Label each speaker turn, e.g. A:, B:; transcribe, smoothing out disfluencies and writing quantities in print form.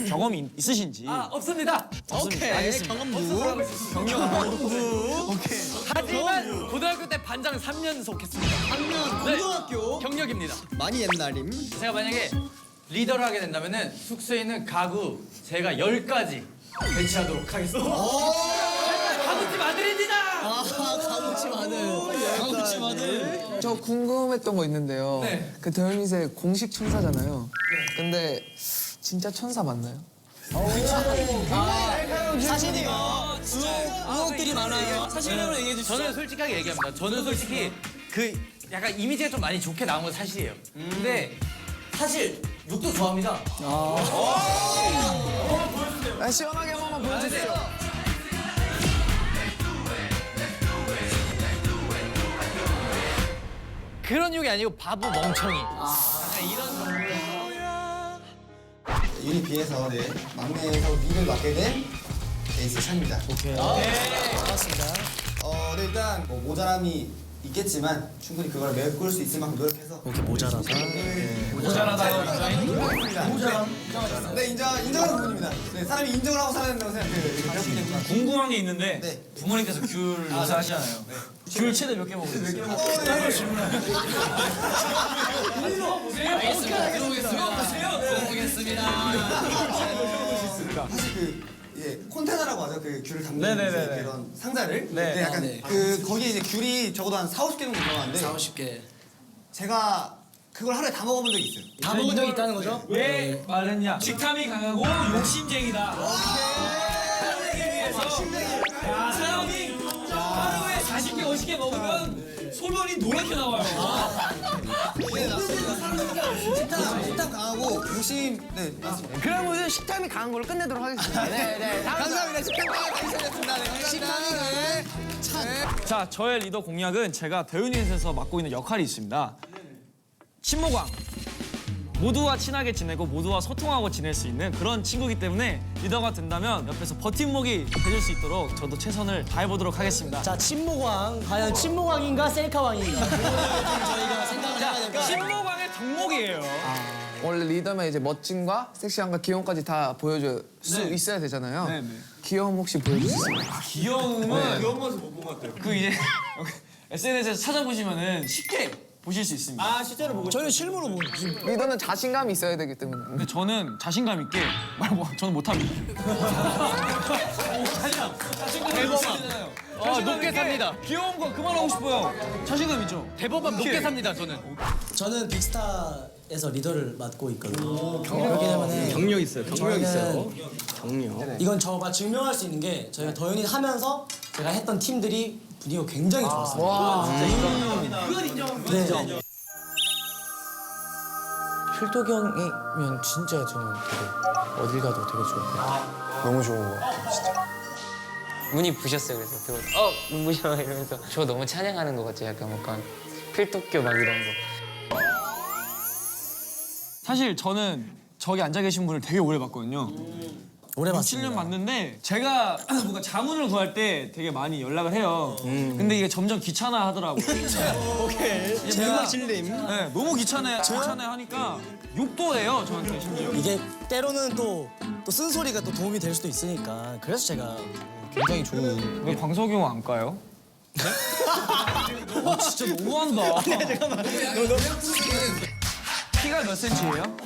A: 경험이 있으신지.
B: 없습니다.
A: 오케이. 알겠습니다.
C: 경험부.
A: 오케이.
B: 하지만 고등학교 때 반장 3연속 했습니다.
C: 3년 고등학교.
B: 경력입니다.
C: 많이 옛날임.
B: 제가 만약에 리더를 하게 된다면은 숙소에 있는 가구 제가 10가지 배치하도록 하겠습니다. 가구집 아들입니다.
C: 가무치 마늘. 가무치 마늘.
D: 저 궁금했던 거 있는데요.
B: 네.
D: 그 더현이세 공식 천사잖아요. 근데 진짜 천사 맞나요?
C: 사실이요. 의혹들이 많아요. 사실대로 얘기해 주시죠.
B: 저는 솔직하게 얘기합니다. 저는 솔직히 그 약간 이미지가 좀 많이 좋게 나온 건 사실이에요. 근데 사실 욕도 좋아합니다.
D: 시원하게 한 번만 보여주세요.
B: 그런 욕이 아니고 바보 멍청이.
E: 유니 B에서 막내에서 리를 맡게 된 에이스 찬입니다. 오케이.
C: 반갑습니다.
E: 네, 일단 뭐 모자람이 있겠지만 충분히 그걸 메꿀 수 있을 만큼 노력해서
C: 이렇게 모자라서.
E: 네 인정하는 부분입니다. 네, 사람이 인정을 하고 살아야 된다고 생각해요.
A: 궁금한 게 있는데
E: 네.
A: 부모님께서 귤 요새 하시잖아요. 귤 최대 몇 개 먹으셨어요?
E: 사실 콘테너라고 하죠. 그 귤을 담는
A: 네네네네.
E: 그런 상자를.
A: 네.
E: 약간 그 거기에 이제 귤이 적어도 한 4, 50개 정도 들어가는데
C: 50개.
E: 제가 그걸 하루에 다 먹어본 적이 있어요.
C: 다 먹은 적이 있다는 거죠?
A: 왜 말했냐? 식탐이 강하고 욕심쟁이다. 하기 위해서 야, 사람이 하루에 40개, 50개 먹으면 소변이 노랗게 나와요.
E: 식탐 강하고 욕심 맞습니다.
D: 그러면 식탐이 강한 걸로 끝내도록 하겠습니다. 네.
E: 감사합니다. 식탐 강하게 당첨됐습니다. 네, 감사합니다.
A: 자, 저의 리더 공약은 제가 대윤이에서 맡고 있는 역할이 있습니다. 친모광. 모두와 친하게 지내고 모두와 소통하고 지낼 수 있는 그런 친구이기 때문에 리더가 된다면 옆에서 버팀목이 돼줄 수 있도록 저도 최선을 다해보도록 하겠습니다.
C: 자, 친모광. 과연 친모광인가 셀카광인가? 저희가 생각을 해야 될 것 같아요.
A: 친모광의 덕목이에요.
D: 원래 리더면 이제 멋짐과 섹시함과 귀여움까지 다 보여줄 수 있어야 되잖아요.
A: 네네.
D: 귀여움 혹시 보여줄 수 있어요?
A: 귀여움은 귀여운 모습 못 본 것 같아요. 그 이제 SNS에서 찾아보시면은 쉽게 보실 수 있습니다.
C: 실제로 보고 저희는 실물로 보고 있어요.
D: 리더는 자신감이 있어야 되기 때문에.
A: 근데 저는 자신감 있게 저는 못합니다.
B: 대법원 높게 삽니다.
A: 귀여운 거 그만하고 싶어요. 자신감 있죠?
B: 대법원 높게 삽니다. 저는.
C: 저는 빅스타에서 리더를 맡고 있거든요. 그렇기 때문에
F: 경력 있어요. 경력 있어요.
C: 이건 저가 증명할 수 있는 게 저희가 더윤이 하면서 제가 했던 팀들이 분위기가 굉장히 좋았어요.
B: 그건 인정합니다.
C: 네.
G: 필독이 형이면 진짜 저는 되게 어딜 가도 되게 좋을 것 같아요. 너무 좋은 것 같아요, 진짜. 문이 부셨어요, 그래서 배우 눈부셔 이러면서 저 너무 찬양하는 것 같아요, 약간 필독교 막 이런 거.
A: 사실 저는 저기 앉아 계신 분을 되게 오래 봤거든요.
C: 오래
A: 7년
C: 봤습니다.
A: 봤는데 제가 뭔가 자문을 구할 때 되게 많이 연락을 해요. 근데 이게 점점 귀찮아 하더라고요.
F: 오케이.
A: 제가
F: 실림.
A: 네, 너무 귀찮아 하니까 욕도 해요, 저한테 심지어.
C: 이게 때로는 또 쓴소리가 또 도움이 될 수도 있으니까 그래서 제가 굉장히 좋은
A: 왜 광석이 형 안 까요? 네? 진짜 너무한다. 키가 몇 센치예요?